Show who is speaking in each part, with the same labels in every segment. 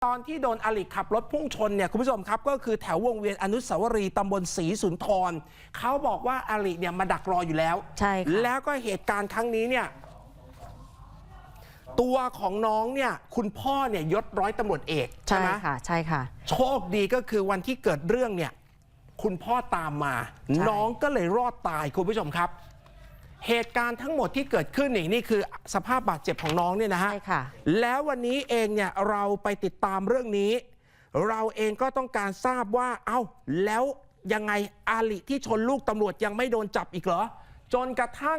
Speaker 1: ตอนที่โดนอลิขับรถพุ่งชนเนี่ยคุณผู้ชมครับก็คือแถววงเวียนอนุสาวรีย์ตำบลศรีสุนทรเขาบอกว่าอลิเนี่ยมาดักรออยู่แล้ว
Speaker 2: ใช่ค่ะ
Speaker 1: แล้วก็เหตุการณ์ครั้งนี้เนี่ยตัวของน้องเนี่ยคุณพ่อเนี่ยยศร้อยตำรวจเอกใช่ไหม
Speaker 2: ค่ะใช่ค่ะ
Speaker 1: โชคดีก็คือวันที่เกิดเรื่องเนี่ยคุณพ่อตามมาน้องก็เลยรอดตายคุณผู้ชมครับเหตุการณ์ทั้งหมดที่เกิดขึ้นนี่คือสภาพบาดเจ็บของน้องเนี่ยนะฮะแล้ววันนี้เองเนี่ยเราไปติดตามเรื่องนี้เราเองก็ต้องการทราบว่าแล้วยังไงอาลิที่ชนลูกตำรวจยังไม่โดนจับอีกเหรอจนกระทั่ง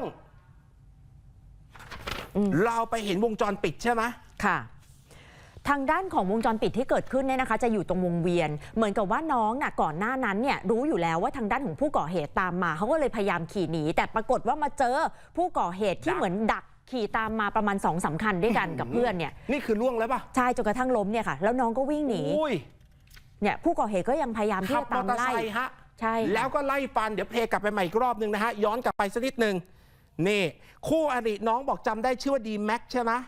Speaker 1: เราไปเห็นวงจรปิดใช่ไหม
Speaker 2: ค่ะทางด้านของวงจรปิดที่เกิดขึ้นเนี่ยนะคะจะอยู่ตรงวงเวียนเหมือนกับว่าน้องน่ะก่อนหน้านั้นเนี่ยรู้อยู่แล้วว่าทางด้านของผู้ก่อเหตุตามมาเขาก็เลยพยายามขี่หนีแต่ปรากฏว่ามาเจอผู้ก่อเหตุที่เหมือนดักขี่ตามมาประมาณ2-3 คันด้วยกันกับเพื่อนเนี่ย
Speaker 1: นี่คือล่วงแล้วป่ะ
Speaker 2: ใช่จนกระทั่งล้มเนี่ยค่ะแล้วน้องก็วิ่งหนีเนี่ยผู้ก่อเหตุก็ยังพยายามที่จะตามไล่
Speaker 1: ใช่แล้วก็ไล่ฟันเดี๋ยวเพลกลับไปใหม่อีกรอบนึงนะฮะย้อนกลับไปสักนิดนึงนี่คู่อริน้องบอกจำได้ชื่อว่าดีแม็กใช่ไหม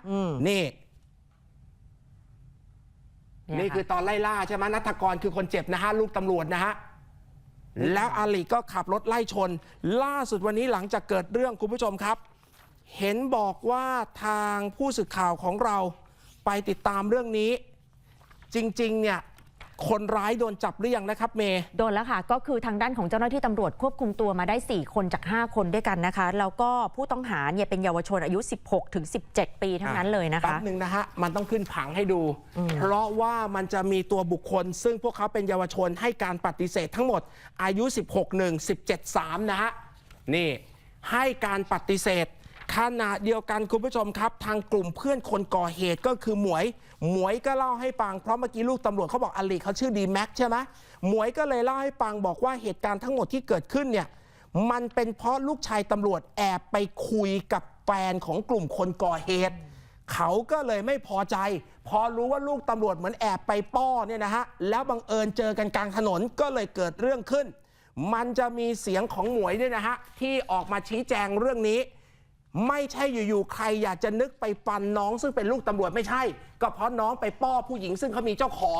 Speaker 1: นี่คือตอนไล่ล่าใช่ไหมณัฐกรคือคนเจ็บนะฮะลูกตำรวจนะฮะแล้วอาลีก็ขับรถไล่ชนล่าสุดวันนี้หลังจากเกิดเรื่องคุณผู้ชมครับเห็นบอกว่าทางผู้สื่อข่าวของเราไปติดตามเรื่องนี้จริงๆเนี่ยคนร้ายโดนจับหรือยังนะครับเมย์
Speaker 2: โดนแล้วค่ะก็คือทางด้านของเจ้าหน้าที่ตำรวจควบคุมตัวมาได้4 คนจาก5 คนด้วยกันนะคะแล้วก็ผู้ต้องหาเนี่ยเป็นเยาวชนอายุ16 ถึง 17 ปีทั้งนั้นเลยนะคะ
Speaker 1: แป๊บนึงนะฮะมันต้องขึ้นผังให้ดูเพราะว่ามันจะมีตัวบุคคลซึ่งพวกเขาเป็นเยาวชนให้การปฏิเสธทั้งหมดอายุ16 1 17 3นะฮะนี่ให้การปฏิเสธขณะเดียวกันคุณผู้ชมครับทางกลุ่มเพื่อนคนก่อเหตุก็คือหมวยก็เล่าให้ฟังเพราะเมื่อกี้ลูกตำรวจเขาบอกอลีเขาชื่อดีแม็กใช่ไหมหมวยก็เลยเล่าให้ฟังบอกว่าเหตุการณ์ทั้งหมดที่เกิดขึ้นเนี่ยมันเป็นเพราะลูกชายตำรวจแอบไปคุยกับแฟนของกลุ่มคนก่อเหตุเขาก็เลยไม่พอใจพอรู้ว่าลูกตำรวจเหมือนแอบไปป้อเนี่ยนะฮะแล้วบังเอิญเจอกันกลางถนนก็เลยเกิดเรื่องขึ้นมันจะมีเสียงของหมวยด้วยนะฮะที่ออกมาชี้แจงเรื่องนี้ไม่ใช่อยู่ๆใครอยากจะนึกไปฟันน้องซึ่งเป็นลูกตำรวจไม่ใช่ก็เพราะน้องไปป้อผู้หญิงซึ่งเขามีเจ้าของ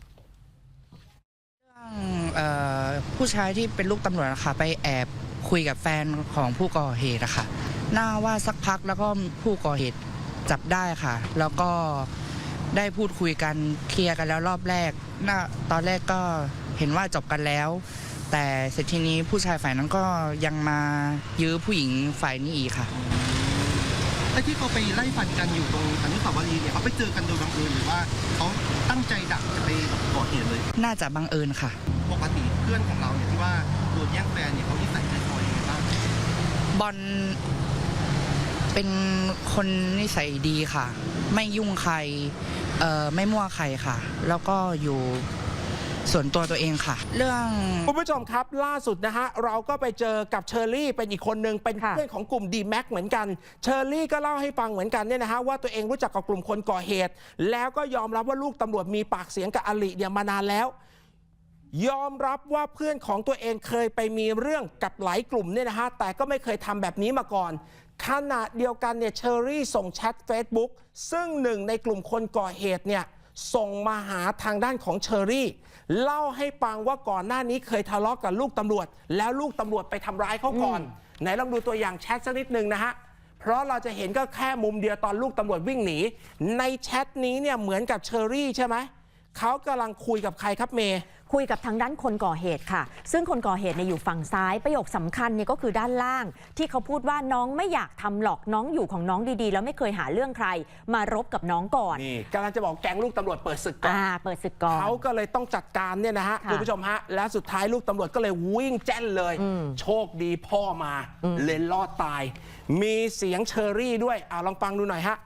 Speaker 3: ผู้ชายที่เป็นลูกตำรวจนะคะไปแอบคุยกับแฟนของผู้ก่อเหตุนะคะน่าว่าสักพักแล้วก็ผู้ก่อเหตุจับได้ค่ะแล้วก็ได้พูดคุยกันเคลียร์กันแล้วรอบแรกตอนแรกก็เห็นว่าจบกันแล้วแต่เสร็จทีนี้ผู้ชายฝ่ายนั้นก็ยังมายื้อผู้หญิงฝ่ายนี้อีกค่ะ
Speaker 4: ไอ้ที่เขาไปไล่ฟันกันอยู่ตรงอนุสาวรีย์เนี่ยเขาไปเจอกันโดยบังเอิญหรือว่าเขาตั้งใจดักจะไปก่อเหตุเลย
Speaker 3: น่าจะบังเอิญค่ะ
Speaker 4: ปกติเพื่อนของเราเนี่ยที่ว่าโดนแย่งแฟนเนี่ยเขานิสัยใจคอยยังไงบ้าง
Speaker 3: บอลเป็นคนนิสัยดีค่ะไม่ยุ่งใครไม่มั่วใครค่ะแล้วก็อยู่ส่วนตัวเองค่ะเรื่อง
Speaker 1: คุณผู้ชมครับล่าสุดนะฮะเราก็ไปเจอกับเชอรี่เป็นอีกคนหนึ่งเป็นเพื่อนของกลุ่มดีแม็กเหมือนกันเชอรี่ก็เล่าให้ฟังเหมือนกันเนี่ยนะฮะว่าตัวเองรู้จักกับกลุ่มคนก่อเหตุแล้วก็ยอมรับว่าลูกตำรวจมีปากเสียงกับอลิเนี่ยมานานแล้วยอมรับว่าเพื่อนของตัวเองเคยไปมีเรื่องกับหลายกลุ่มเนี่ยนะฮะแต่ก็ไม่เคยทำแบบนี้มาก่อนขณะเดียวกันเนี่ยเชอรี่ส่งแชท Facebook ซึ่งหนึ่งในกลุ่มคนก่อเหตุเนี่ยส่งมาหาทางด้านของเชอรี่เล่าให้ฟังว่าก่อนหน้านี้เคยทะเลาะกับลูกตำรวจแล้วลูกตำรวจไปทำร้ายเขาก่อนไหนลองดูตัวอย่างแชทสักนิดนึงนะฮะเพราะเราจะเห็นก็แค่มุมเดียวตอนลูกตำรวจวิ่งหนีในแชทนี้เนี่ยเหมือนกับเชอรี่ใช่ไหมเขากำลังคุยกับใครครับเมย์
Speaker 2: คุยกับทางด้านคนก่อเหตุค่ะซึ่งคนก่อเหตุเนี่ยอยู่ฝั่งซ้ายประโยคสำคัญเนี่ยก็คือด้านล่างที่เขาพูดว่าน้องไม่อยากทำหรอกน้องอยู่ของน้องดีๆแล้วไม่เคยหาเรื่องใครมารบกับน้องก่อน
Speaker 1: นี่กำลังจะบอกแก๊งลูกตำรวจเปิดศึกก่อน
Speaker 2: เปิดศึกก่อน
Speaker 1: เขาก็เลยต้องจัดการเนี่ยนะฮะคุณผู้ชมฮะแล้วสุดท้ายลูกตำรวจก็เลยวิ่งแจ้นเลยโชคดีพ่อมาเลยรอดตายมีเสียงเชอรี่ด้วยลองฟังดูหน่อยฮะ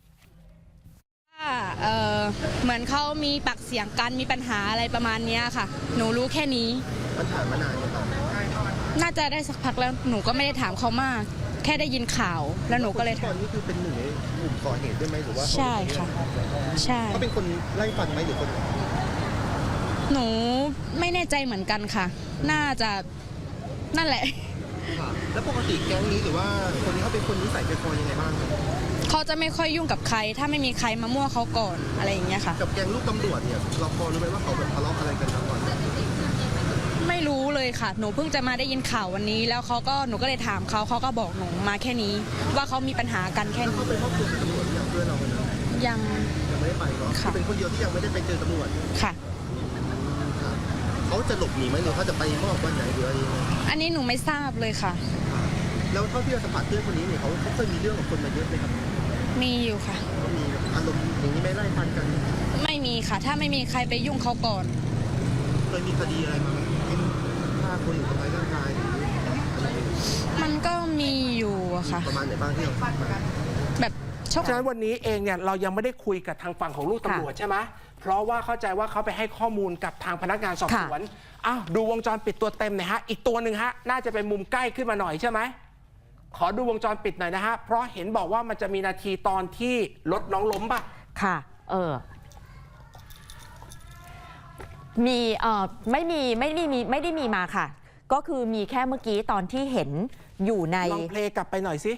Speaker 5: เหมือนเขามีปากเสียงกันมีปัญหาอะไรประมาณนี้ค่ะหนูรู้แค่นี้
Speaker 4: มันผ่านมานานไหมครับ
Speaker 5: น่าจะได้สักพักแล้วหนูก็ไม่ได้ถามเขามากแค่ได้ยินข่าวแล้วหนูก็เลย
Speaker 4: ตอนนี้คือเป็นหนึ่งในกลุ่มก่อเหตุด้วยไหมหรือว่า
Speaker 5: ใช่ค่ะใช่
Speaker 4: เขาเป็นคนไล่ฟันไหมหรือคน
Speaker 5: หนูไม่แน่ใจเหมือนกันค่ะน่าจะนั่นแหละ
Speaker 4: แล้วปกติแก๊งนี้หรือว่าคนนี้เขาเป็นคนนิสัยใจคอยังไงบ้าง
Speaker 5: เขาจะไม่ค่อยยุ่งกับใคร ถ้าไม่มีใครมามั่วเขาก่อนอะไรอย่างเงี้ยค่ะ
Speaker 4: กับแก๊งลูกตำรวจเนี่ยเราพอรู้ไหมว่าเขาแบบทะเลาะอะไรกันทั้งวัน
Speaker 5: ไม่รู้เลยค่ะ หนูเพิ่งจะมาได้ยินข่าววันนี้ แล้วหนูก็เลยถามเขาก็บอกหนูมาแค่นี้ ว่าเขามีปัญหากันแค่นี้
Speaker 4: เขาไปมอบตัวกับตำรวจอย่างเพื่อนเราคนนั้น
Speaker 5: ยัง
Speaker 4: ยังไม่ได้ไปเนาะ
Speaker 5: ค่ะ
Speaker 4: เป็นคนเดียวที่ยังไม่ได้ไปเจอตำรวจ
Speaker 5: ค่ะ
Speaker 4: เขาจะหลบหนีไหมหรือเขาจะไปมอบวันไหนหรืออะไรยังไง
Speaker 5: อันนี้หนูไม่ทราบเลยค่ะ
Speaker 4: แล้วเท่าที่เราสัมผัสเพื่อนคนนี้เนี่ยเขาเคยมีเรื่องกับคนมาเยอะไหมครับ
Speaker 5: มีอยู่ค่ะ
Speaker 4: เขามีอารมณ์อย่างนี้ไม่ไล่ฟันกัน
Speaker 5: ไม่มีค่ะ ถ้าไม่มีใครไปยุ่งเขาก่อน
Speaker 4: เคยมีคดีอะไรมาไหมเช่นฆ่าคนหรือทำร้ายร่างกายหรืออะไร
Speaker 5: มันก็มีอยู่อะค่ะ
Speaker 4: ประมาณไหนบ้างที่เราทราบมา
Speaker 5: แบบชก
Speaker 1: ฉะนั้นวันนี้เองเนี่ยเรายังไม่ได้คุยกับทางฝั่งของลูกตำรวจใช่ไหมเพราะว่าเข้าใจว่าเขาไปให้ข้อมูลกับทางพนักงานสอบสวนอ้าวดูวงจรปิดตัวเต็มหน่อยฮะอีกตัวหนึ่งฮะน่าจะเป็นมุมใกล้ขึ้นมาหน่อยใช่ไหมขอดูวงจรปิดหน่อยนะฮะเพราะเห็นบอกว่ามันจะมีนาทีตอนที่รถน้องล้มป่ะ
Speaker 2: ค่ะมีไม่ได้มีมาค่ะ ก็คือมีแค่เมื่อกี้ตอนที่เห็นอยู่ใน
Speaker 1: ลองเพลงกลับไปหน่อยสิ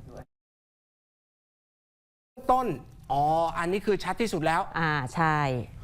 Speaker 1: ต้นอันนี้คือชัดที่สุดแล้ว
Speaker 2: ใช่